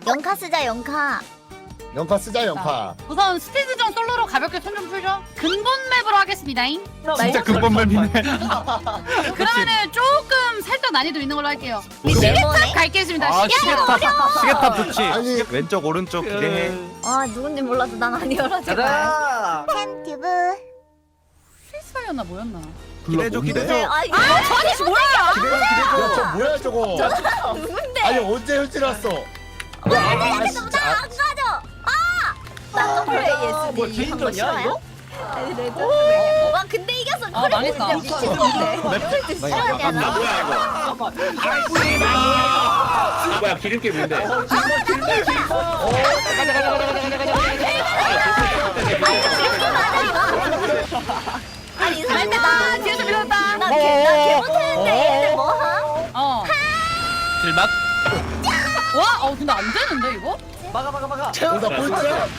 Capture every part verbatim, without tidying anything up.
영카 쓰자 영카. 연파 쓰자 연파. 우선 스티드전 솔로로 가볍게 손 좀 풀죠. 근본 맵으로 하겠습니다.잉. 진짜 근본 맵이네. 그러면은 조금 살짝 난이도 있는 걸로 할게요. 네모네. 시계탑 갈겠습니다. 아 시계탑. 시계탑 시계탑 좋지. 아니. 왼쪽 오른쪽 기대해. 아 누군지 몰라도 난 아니어라 제발. 가자. 팬튜브. 필스파이였나 뭐였나? 기대줘 누구세요? 기대줘. 아 이거 저 아저씨 뭐야? 기대줘 야, 저 기대줘. 뭐야 저거? 누군데? 아니 언제 현질 왔어? 아, 나 진짜. 안 가져. 아! 나 더블 에이에스디 뭐 개인전이야 이거? 오! 와 근데 이겼어. 아, 그래 망했다. 진짜 미친놈인데. 또 싫어하냐 아 나? 뭐야 이거? 아 뭐야 기름기 뭔데? 아니 나 설마 뒤에서 밀었다. 나개 못했는데 얘들 뭐함? 어. 길막. 와, 어 근데 안 되는데 이거? 막아 막아 막아. 나 꼴찌야?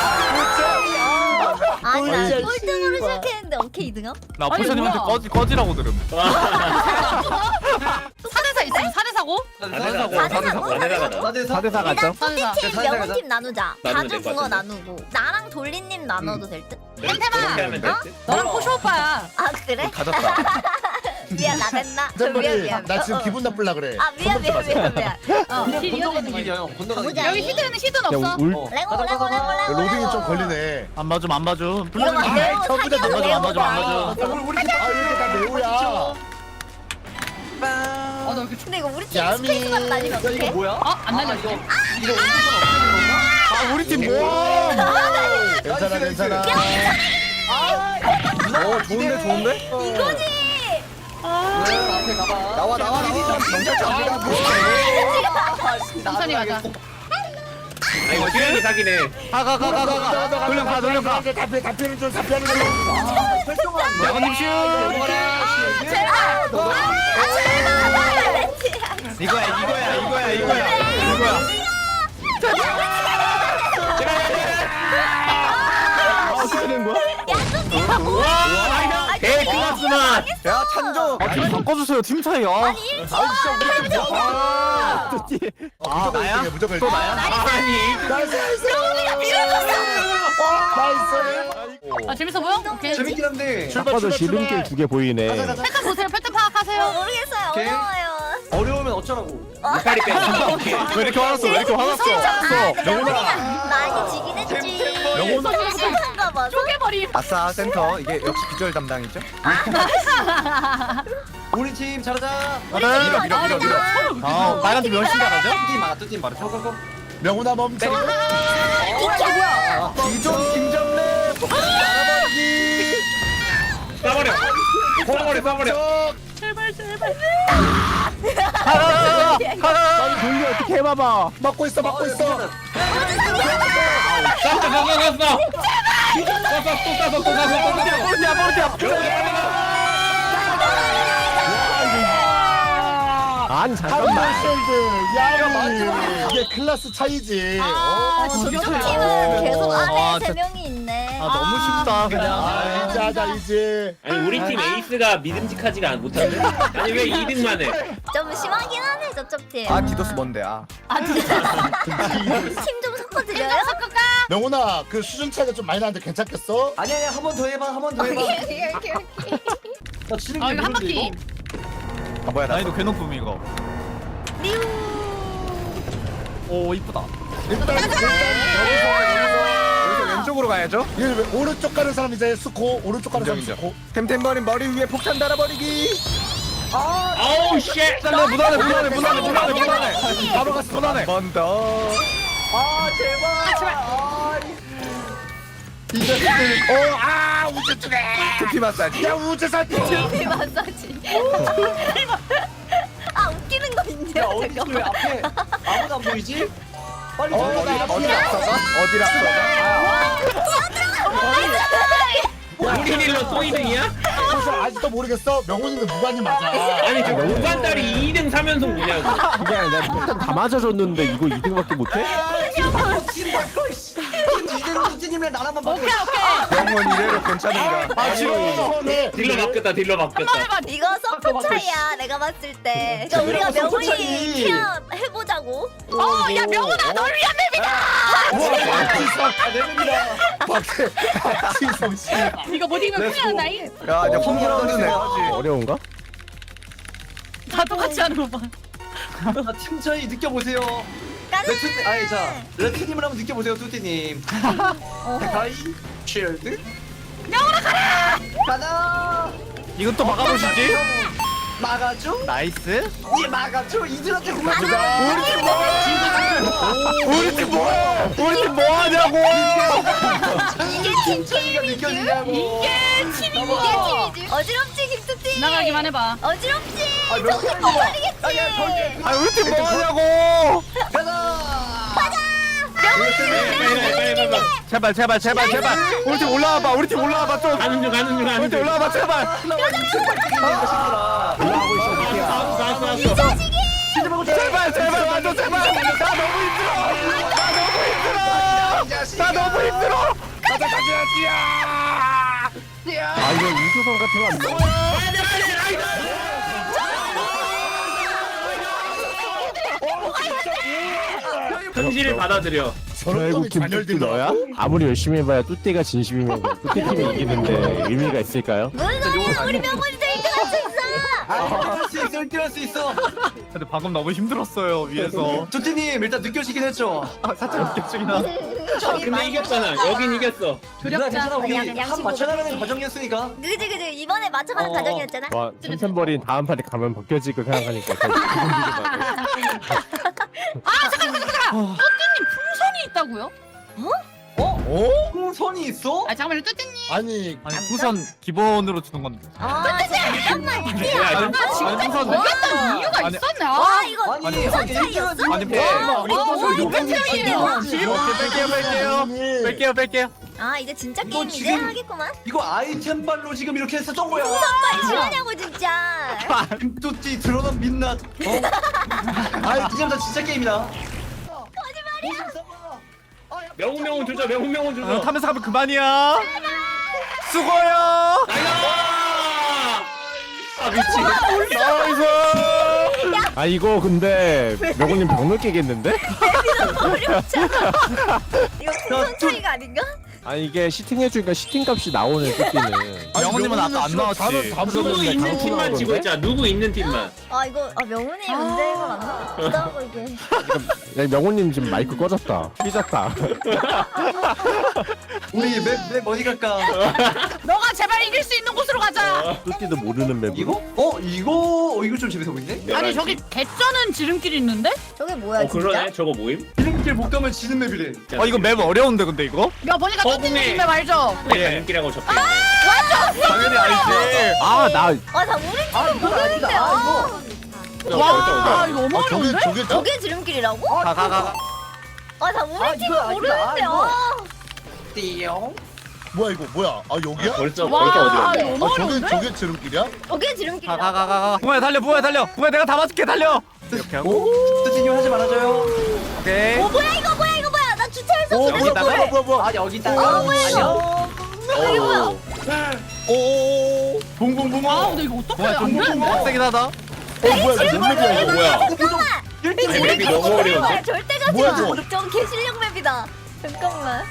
아니 나 꼴찌야, 꼴등으로 씨발. 시작했는데 오케이 이등함? 나 아니, 포션님한테 뭐야. 꺼지 꺼지라고 들음. 사 대 사 있으면 사 대 사고? 나대 사 대 사 가죠. 사 대 사. 팀 사자, 명훈 사자. 팀 나누자. 나누면 다주 될것 붕어 같은데. 나누고 나랑 돌리님 나눠도 될 듯? 그렇게 하면 어? 됐지? 너랑 포쇼 오빠야. 아 그래? 가졌다. 미안 나 됐나? 미안 잼버리 미안. 나 지금 어, 어. 기분 나쁠라 그래. 아 미안 미안 미안 미안. 어, 그냥 힐 이어지는 건너가는 거야. 길이야 형. 건너가는 가보자. 길. 여기 히드는 히드는 없어. 어. 레고 레고 레고 레고. 로딩이 좀 걸리네. 안 맞음 안 맞음. 이거 막 아, 레고 전부 다 사기로 맞아, 맞아, 레고다. 맞아. 우리 우리 팀. 아 이렇게 다 매우야. 아, 나 이렇게 근데 이거 우리 팀 야미. 스페이스만 날리면 야 이거 어떡해? 뭐야? 어? 안 날려. 이거 이거 우리 팀은 없애는 건가? 아 우리 팀 뭐? 괜찮아 괜찮아. 어 좋은데 좋은데? 이거지. 네, 앞에 가봐. 나와 나와 나와. 천천히 가자. 아 이거 기름기 사기네. 가가가가가. 돌려 가 돌려 가. 답변 답변은 좀 답변은 좀. 설정한 야간님 슛. 이거야 이거야 이거야 이거야 이거야. 아 어떻게 된 거야? 개 클라스만. 야 찬조. 아팀 바꿔주세요 팀 차이. 아 아, 나야? 무조건 또 나야? 아니 나이스 나이스. 나이스. 아 재밌어 보여? 오케이. 재밌긴 한데 출발 아까도 출발 지름길 출발. 두 개 보이네. 가자 가자. 패턴 보세요. 패턴 어, 파악하세요. 모르겠어요. 오케이. 어려워요. 어려우면 어쩌라고. 이빨이 빼. 왜 이렇게 화났어 왜 이렇게 화났어? 아, 명훈이가 많이 지긴 했지. 명훈아. 성공한가 봐. 쪼개버림. 아싸 센터 이게 역시 비주얼 담당이죠? 우리 팀 잘하자. 밀어 밀어 밀어 밀어. 아 빨간 팀 열심히 나가죠? 팀 많아 두팀 많아. 고고고. 명훈아 멈춰. 이종 김정래 알아버리기. 싸버려. 싸버려 싸버려. 제발 제발. 하나 하나. 돌리 어떻게 해봐봐. 막고 있어 막고 있어. 쌌어 쌌어 쌌어. 쌌어 또 쌌어 또 쌌어 또 쌌어. 모르티야 모르티야. 아니 잠깐만. 쉴드 야미. 이게 클래스 차이지. 아, 어, 저쪽 진짜. 팀은 계속 아, 안에 세 진- 명이 있네. 아 너무 쉽다 그냥. 아, 이제 하자 이제. 아니 우리 팀 에이스가 믿음직하지가 못한데? 아니 왜 이 등만 해? 좀 심하긴 하네 저쪽 팀. 아 디도스 뭔데 아. 아 진짜. 팀 좀 섞어드려요? 섞을까? 명훈아 그 수준 차이가 좀 많이 나는데 괜찮겠어? 아니 아니 한 번 더 해봐 한 번 더 해봐. 오케이 오케이 오케이. 나 지는 아 게 이거 한 모르는데, 바퀴. 이거? 아 뭐야 난이도 괴놓음 이거. 리우. 오 이쁘다. 일단 일단 여기서 여기서 왼쪽으로 가야죠. 여기서 이 오른쪽 가는 사람 이제 스코 오른쪽 가는 사람 인정, 스코. 템템버린 머리 위에 폭탄 달아버리기. 아우 쉣! 잘라 무난해 무난해 무난해 무난해 무난해. 바로 갔어 무난해. 번 더. 아 제발. 아, 이제 어아 우주 쪽에. 두피 마사지. 야 우주사 쪽. 이 마사지. 아 웃기는 거 있네요. 야 어디 잠깐만. 왜 앞에 아무도 안 보이지? 빨리 어, 들어가. 나 어디 앞이야. 앞서가? 어디 앞서가? 우리 딜러 또 이 등이야? 그래서 아직도 모르겠어. 명훈이는 무관이 맞아. 아니 저 무관딸이 이 등 삼 연속 뭐냐고. 그게 아니라 폭탄 다 맞아줬는데 이거 이 등밖에 못해? 팀 바꿔 씨. 이대로 뚜띠님이랑 나랑만 봐도 오케이 오케이. 영원 이래로 괜찮은가? 아 싫어. 딜러 바뀌었다 딜러 바뀌었다. 해봐. 이거 서포 차이야 내가 봤을 때. 그러니까 우리가 이거 서포 명훈이 차이. 케어 해보자고. 어야 명훈아 널 위한 맵이다. 아 내립니다. 박지성 씨. 이거 못 이기면 큰일 난다잉. 야 이제 홈그라운드 내가지. 어려운가? 다 똑같이 하는 거 봐. 아, 팀 차이 느껴보세요. 가자. 레트 아니 자 레트님을 한번 느껴보세요 뚜띠님. 가이 쉴드. 명훈아 가라. 가자. 이건 또 막아보시지. 막아줘. 나이스. 예 막아줘. 이들한테 그만 좀. 우리 팀 뭐야? 우리 팀 뭐야? 우리 팀 뭐하냐고? 이게 팀 차이가 게임이지. 느껴지냐고. 이게 팀이고. 이게 팀이지. 어지럽지 김뚜띠. 지나가기만 해봐. 어지럽지. 아, 몇 정신 개야? 못 차리겠지. 아, 야, 벌써- 아 우리 팀 뭐하냐고? 가자. 빨리 빨리 빨리 빨리. 제발 제발 제발 제발. 우리 팀 올라와봐. 우리 팀 올라와봐 좀. 가는 중 가는 중 우리 가는 팀 중. 올라와봐 제발. 올라가고 있어. 뚜띠야. 나왔어 나왔어 나왔어. 제발 제발 와줘 제발. 나 너무 힘들어. 나 너무 힘들어. 나 너무 힘들어. 가자 가자 야. 아 이거 우주선 같은 거안 돼. 현실을 받아들여. 저런 결국 점이 김뚜띠 잔혈들더라고. 너야? 아무리 열심히 해봐야 뚜띠가 진심이면 뚜띠 팀이 이기는데 의미가 있을까요? 무슨 소리야 우리 명훈이 일 등 할 수 있어. 아, 수 있어, 뛸 수 있어. 근데 방금 너무 힘들었어요 위에서. 두띠님 일단 느껴지긴 했죠. 아 살짝 느껴지긴 하네. 아, 근데 이겼잖아. 여긴 이겼어. 누나 괜찮아 우리 그냥 한 양심으로. 맞춰나가는 과정이었으니까. 그지 그지 이번에 맞춰가는 어. 과정이었잖아. 와 템템버린 다음 판에 가면 벗겨질 거 생각하니까 더 기분 뚜띠님 풍선이 있다고요? 어? 풍선이 있어? 아 잠깐만요 뚜띠님. 아니 아니 우선 기본으로 주는 건데. 아 잠깐만 뚜띠야. 야, 아 너- 진짜 아니, 풍선- 모르겠다는 이유가 아니, 있었네. 와 아 이거 아니, 풍선 아니, 차이였어? 일등은 아니, 뭐- 뭐- 우리 어, 또 이거 요금 뺄게요. 차이야. 뺄게요 뺄게요 뺄게요 뺄게요. 아 이제 진짜 너 게임 이제 지금- 하겠구만. 이거 아이템발로 지금 이렇게 해서 쩐 거야. 빨리 싫어하냐고 진짜. 김뚜띠 드러난 민낯. 어? 아 이제부터 진짜 게임이다. 명훈 명훈 조져 명훈 명훈 어, 조져. 타면서 가면 그만이야. 수고요. 아 미치. 나이스. 아 이거 근데 명훈님 병 느끼겠는데? 어렵잖아. 이거 풍선 차이가 아닌가? 아니 이게 시팅해주니까 시팅값이 나오네 뚜띠는. 명훈님은 아까 안 나왔지. 누구 있는 팀만 지고 있잖아. 누구 있는 팀만. 아 이거 아 명훈이 문제인 거 맞나? 기다하고 이게. 야, 명훈님 지금 마이크 꺼졌다. 삐졌다. 우리 맵맵 어디 갈까? 너가 제발 이길 수 있는 곳으로 가자. 뚜띠도 모르는 맵으로. 이거? 어 이거 어 이거 좀 재밌어 보이네. 아니 저기 개쩌는 지름길이 있는데? 저게 뭐야 어 그러네. 진짜? 저거 모임? 이름길 못 가면 지는 맵이래. 어 이거 맵 어려운데 근데 이거? 야 보니까 어, 뚜띠님 분명히- 맵 알죠? 네. 가는길이라고 적혀. 당연히 알지. 아 나 아나 우리 아 팀은 이거 모르는데. 아니다. 아 아. 이거. 와 이거 너무 아 저게 어려운데? 저게 저. 저게 지름길이라고? 가 가 가. 아나 우리 아, 팀은 이거 아니다. 모르는데. 아, 이거. 아. 띠용. 뭐야 이거 뭐야? 아 여기야? 벌써 와 벌써 어디로? 이거 아 너무 저게 어려운데? 저게 지름길이야? 저게 지름길이라고? 가 가 가 가. 붕어야 달려 붕어야 달려. 붕어야 내가 다 맞을게 달려. 이렇게 하고. 뚜띠님 하지 말아줘요. 오케이. 어 뭐야 이거 뭐야 이거 뭐야 나 주차했어. 오 주차했어. 뭐야 뭐야 뭐야 뭐야. 아 여기 있다. 어, 뭐야, 안녕. 이게 뭐야? 오. 붕붕붕어. 아 근데 이거 어떡해 붕어야 안 좀 되는데? 빡세긴 하다. 어 뭐야 이거 몇 맵이야 이거 뭐야? 잠깐만. 아니, 맵이 너무 어려운데? 절대 가지 뭐야, 마. 저거? 저 개실력 맵이다. 잠깐만.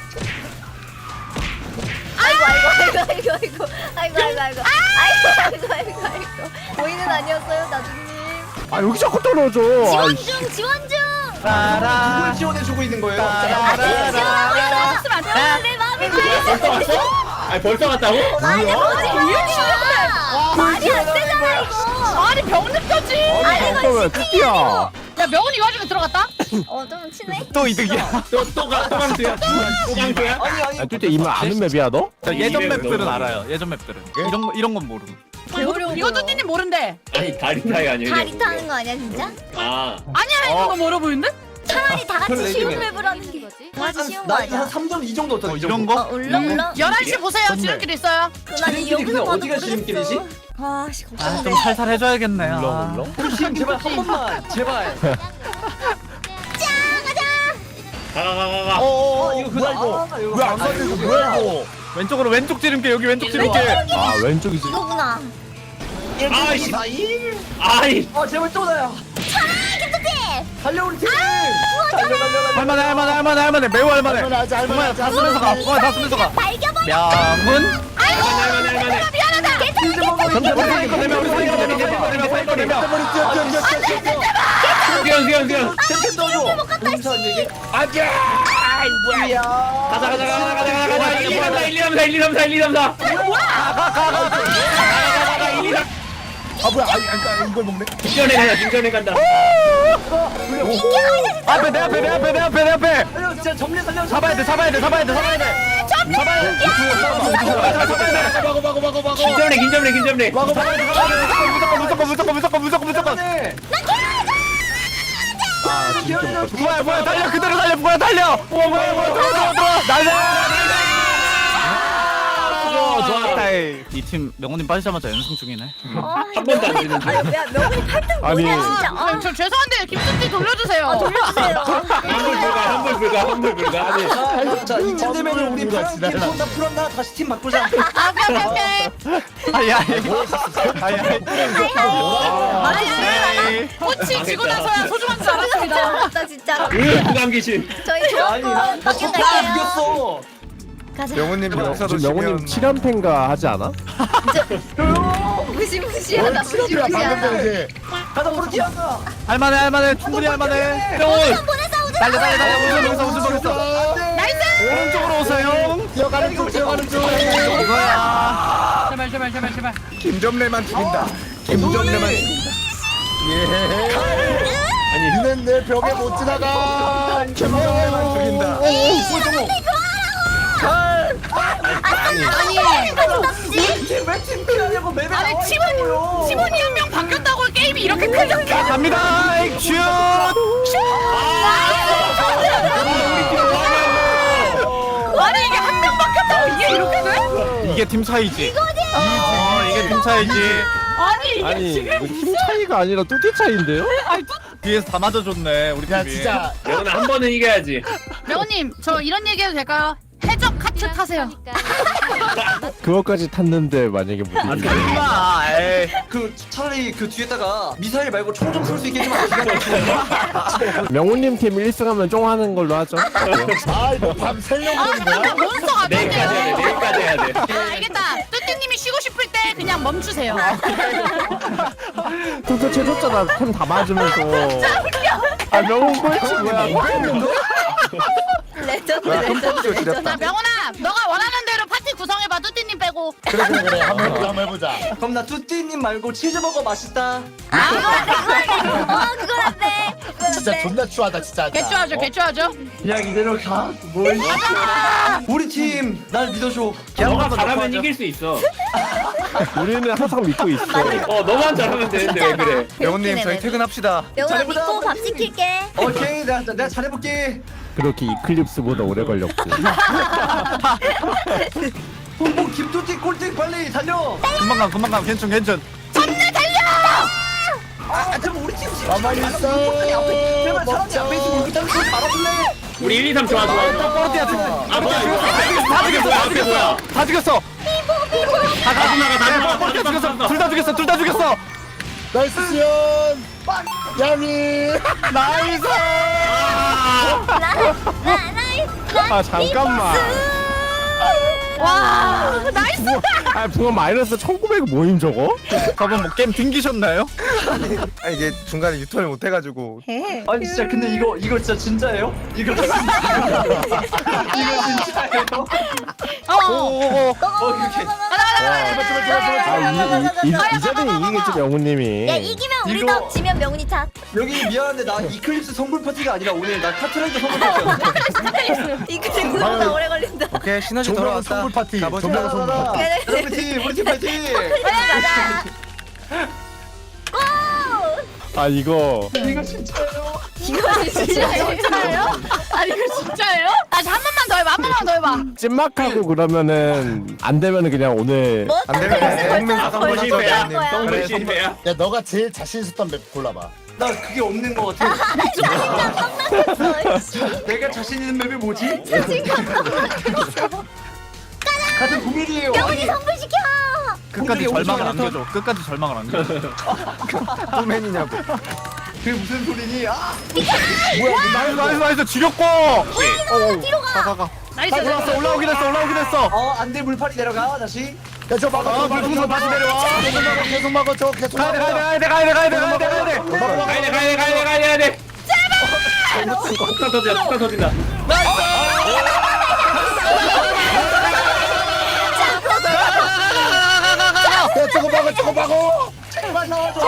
아이고 아이고 아이고 아이고 아이고 아이고 아이고 아이고 아이고 아이고 아이고 보이는 아니었어요 나중님. 아 여기 자꾸 떨어져. 지원 아이씨. 중 지원 중. 누굴 지원해주고 있는 거예요? 아 지금 지원하고 있어. 아, 내 마음이 벌써 그랬어. 왔어? 아니 벌써 왔다고? 아니 뭐지 뭐야? 말이 안 되잖아 이거. 아니 병 느껴지. 아니 이거 잠깐만 뚜띠야. 야 명훈이 이 와중에 들어갔다? 어좀 치네. 또 이득이야. 또또또 강수야? 또 강수야? 아니 아니. 아 뚜띠 이말 아는 맵이야 너? 자, 예전 이래, 맵들은 너무 알아요. 예전 맵들은. 이런 거 이런 건 모르고. 이거, 이거 뚜띠님 모른대. 아니 다리 타이 아니에요? 다리 타는 거 아니야 진짜? 아 아니야 이거 뭐 어려 보이는데? 차라리 다 같이 그래, 쉬운 이기네. 맵을 하는 게 다 같이 쉬운 거 나한 아니야? 삼 점 이 정도 어떤 어, 이런 거? 어 울렁울렁. 열한 시 보세요. 지름길 있어요. 난 지름길이 여기서 근데 봐도 어디가 모르겠어. 지름길이지? 아씨 아, 걱정돼. 좀 살살 해줘야겠네. 아. 울렁울렁. 뚜띠님 제발 한 번만 제발. 가가가가가. 어 이거 뭐야 이거? 왜 안 가져 이거 뭐야 이거? 왼쪽으로 왼쪽 지름길 여기 왼쪽 지름길. 아 왼쪽이지. 이거구나. 아이씨. 아이. 어 제발 또 나야. 달려 우리 팀. 달려 달려 달려. 할만해 할만해 할만해 할만해 매우 할만해. 할만해 하자 할만해 하자. 다 쓰면서 가. 어, 다 쓰면서 가. 명훈. 할만해 할만해. 우리 사이코 되면 우리 사이코 되면 사이코 되면 사이코 되면. 머리 뛰어 뛰어 뛰어 뛰어 뛰어. 수영 수영 수영. 템템 넣어줘. 용서 안 되게. 아자. 이야. 가자 가자 가자 가자 가자 가자. 일, 이, 삼, 사 일, 이, 삼, 사 일, 이, 삼, 사 일, 이, 삼, 사. 아 뭐야? 아니 그러니까 이걸 먹네. 중전에 간다 중전에 간다. 앞에 내 앞에 내 앞에 내 앞에 내 앞에. 달려 진짜 정리 달려. 잡아야 돼 잡아야 돼 잡아야 돼 잡아야 돼. 잡아야 돼. 잡아야 돼. 막어 막어 막어 막어. 긴점래 긴점래 긴점래. 막어 막어 막어. 무조건 무조건 무조건 무조건 무조건. 뭐야 뭐야 달려 그대로 달려 뭐야 달려. 뭐야 뭐야 뭐야 들어와 들어와 들어와 날려. 좋아 좋아. 이팀 명훈님 빠지자마자 연승 중이네. 한 번도 안 되는 중. 야 명훈이 팔등 아니. 뭐냐 진짜. 아, 아, 저 죄송한데 김순지 돌려주세요. 아 돌려주세요. 환불 불가 환불 불가 환불 불가. 아니. 자 이쯤 되면 우리 파란 팀 손다 풀었나 다시 팀 바꾸자. 아, 오케이 오케이 오케이. 아야 아야. 아니 꽃이 지고 나서야 소중한 줄 알았습니다. 진짜 진짜. 으 부담 귀신. 저희 아니 조금 나 바뀌었다게요. 이겼어. 가자. 명훈님 역사도 지금 명훈님 칠 연패인가 하지 않아? 무시무시하다 치료비야 방금 무시무시하다. 전에 이제. 가자 프로티아가. 할만해 할만해 충분히 할만해. 명훈. 보내서 오자. 달려 달려 달려 우승 여기서 우승 거렸어. 오른쪽으로 오세요. 뛰어가는 중 뛰어가는 중. 이거야. 제발 제발 제발 제발. 김점래만 죽인다. 김점래만. 예. 아니 니는 내 벽에 못 지나가. 김점래만 죽인다. 우리 팀왜팀 피하려고 맵에 아니 나와 팀원 있냐고요. 팀원이 한 명 바뀌었다고 게임이 이렇게 크죠? 자 갑니다. 슛. 아니 이게 한 명 바뀌었다고 이게 이렇게 돼? 이게 팀 차이지. 어 이게 팀 차이지. 아니 이게 아니 지금 이거 힘 차이가 아니라 뚜띠 차이인데요? 뒤에서 다 맞아줬네 우리 야 팀이. 진짜. 명훈아 한 번은 이겨야지. 명호님 저 이런 얘기해도 될까요? 해적 카트 타세요. 그거까지 탔는데 만약에 못 아, 이기면 임마. 에이. 그 차라리 그 뒤에다가 미사일 말고 총 좀 쏠 수 있게 해주면 안 돼? 명훈님 팀 일 승하면 쫑하는 걸로 하죠. 아 이거 밤 새려고 그러는 거야? 몬스터가 내일까지 해야 돼 내일까지 해야 돼. 아 알겠다. 뚜띠님이 쉬고 싶을 때 그냥 멈추세요. 투표 채줬잖아. 템 다 맞으면서. 아 명훈 꼴찌 뭐야? 레전드 레전드 레전드. 자 명훈아 너가 원하는 대로 파티 구성해봐. 뚜띠님 빼고. 그래 그래 그래 한번 해보자 한번 해보자. 그럼 나 뚜띠님 말고 치즈버거 맛있다. 아 그거 안 돼. 어 그건 안 돼. 그건 안 진짜 돼. 존나 추하다 진짜. 개쭈하죠 개쭈하죠. 그냥 이대로 가. 뭘? 우리 팀 날 믿어줘. 너가 잘하면 이길 수 있어. 우리는 항상 믿고 있어. 어 너만 잘하면 되는데 왜 그래? 명훈님 저희 퇴근합시다. 명훈아 잘해보자. 믿고 밥 시킬게. 오케이 내가 내가 잘해볼게. 그렇게 이클립스보다 오래 걸렸고. 뭐 김뚜띠 꼴등 빨리 달려. 금방 가 금방 가 괜찮 괜찮. 아 잠깐 우리 팀 지금 가만히 있어. 제발 사람이 앞에 있으면 우리 팀 말아줄래? 우리 일, 이, 삼 좋아 좋아. 뽀르티아 팀. 아 뭐야 이거 다 죽였어 다 앞에 뭐야? 죽였어 다 죽였어. 다 나가 다 나가 뽀르티아 죽였어 둘 다 죽였어 둘 다 죽였어. 나이스 시연. 야미. 나이스. 아 잠깐만. 와 나이스. 아 붕어 마이너스 천구백 모임 저거? 저번 뭐 게임 튕기셨나요? 아 이게 중간에 유턴을 못 해가지고. 아니 진짜 근데 이거 이거 진짜 진짜예요? 이거 진짜예요? 이거 진짜예요? 오오오. 어 이렇게 아, 이, 이, 이, 이제는 이기겠지 명훈님이. 야 이기면 우리 이거- 덕 지면 명훈이 탓. 여기 미안한데 나 이클립스 선물 파티가 아니라 오늘 나 카트라이더 선물 파티였는데. 이거 생각보다 오래 걸린다. 오케이 시너지 조명 선물 파티. 가보자. 조명 선물 파티. 그래, 그래. 우리 팀 우리 팀 파이팅! 가자. 고! 아 이거 이거 진짜예요? 이거 진짜예요? 아니 이거 진짜예요? 다시 한 번만 더 해봐. 한 번만 더 해봐. 찐막하고 그러면은 안 되면은 그냥 오늘 뭐 안 되면 벌써 동맹 벌써 선물 벌써 실패야. 포기한 거야. 성불 실패야. 야 너가 제일 자신 있었던 맵 골라봐. 나 그게 없는 거 같아. 자신감 깜빡했어. 씨. 내가 자신 있는 맵이 뭐지? 자신감 깜빡했어. 같은 구밀이에요. 명훈이 선물 시켜. 끝까지 공중에 절망을 오십만 안겨줘. 끝까지 절망을 안겨줘. 뚜맨이냐고. 그게 무슨 소리니? 아! 나이스 나이스 나이스 지렸고. 뒤로 가. 가가가. 나이스. 올라왔어 올라오긴 했어 올라오긴 했어. 어, 안돼 물파리 내려가 다시. 계속 막아. 아, 계속 물풍선 다시 내려와. 계속 막아. 저 계속 가야 돼 막아. 가야 돼 가야 돼 가야 돼 가야 돼 가야 돼. 가야 돼 가야 돼 가야 돼 가야 돼. 제발. 폭탄 터진다 폭탄 터진다. 야, 저거 막아. 저거 막아. 제발 나와줘.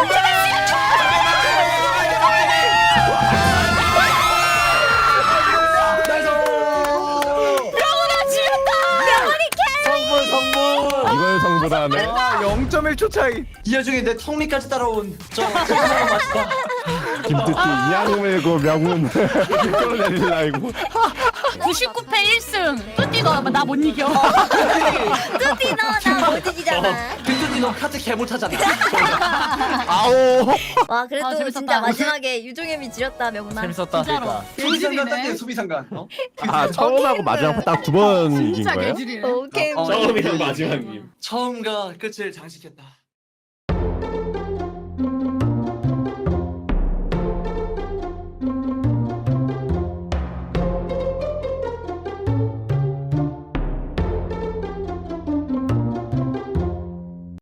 성불 성불. 이걸 성불하네. 아 영 점 일 초 차이. 이 와중에 내 턱밑까지 따라온 저 죄송한 맛이다. 김뚜띠 이양 물고 명운 끌어내리려 알고. 구십구 패 일 승. 뚜띠 너 나 못 이겨. 뚜띠 너나못 이기잖아. 근데 너 카드 개 못하잖아. 아오. 와 그래도 아, 재밌었다. 진짜 마지막에 유종현이 지렸다 명훈아. 재밌었다. 진짜로. 수비상관 딱해 수비상관. 어? 아 처음하고 마지막 딱 두 번 이긴 진짜 거예요? 개질이네. 오케이. 어, 처음이랑 마지막임. 처음과 끝을 장식했다.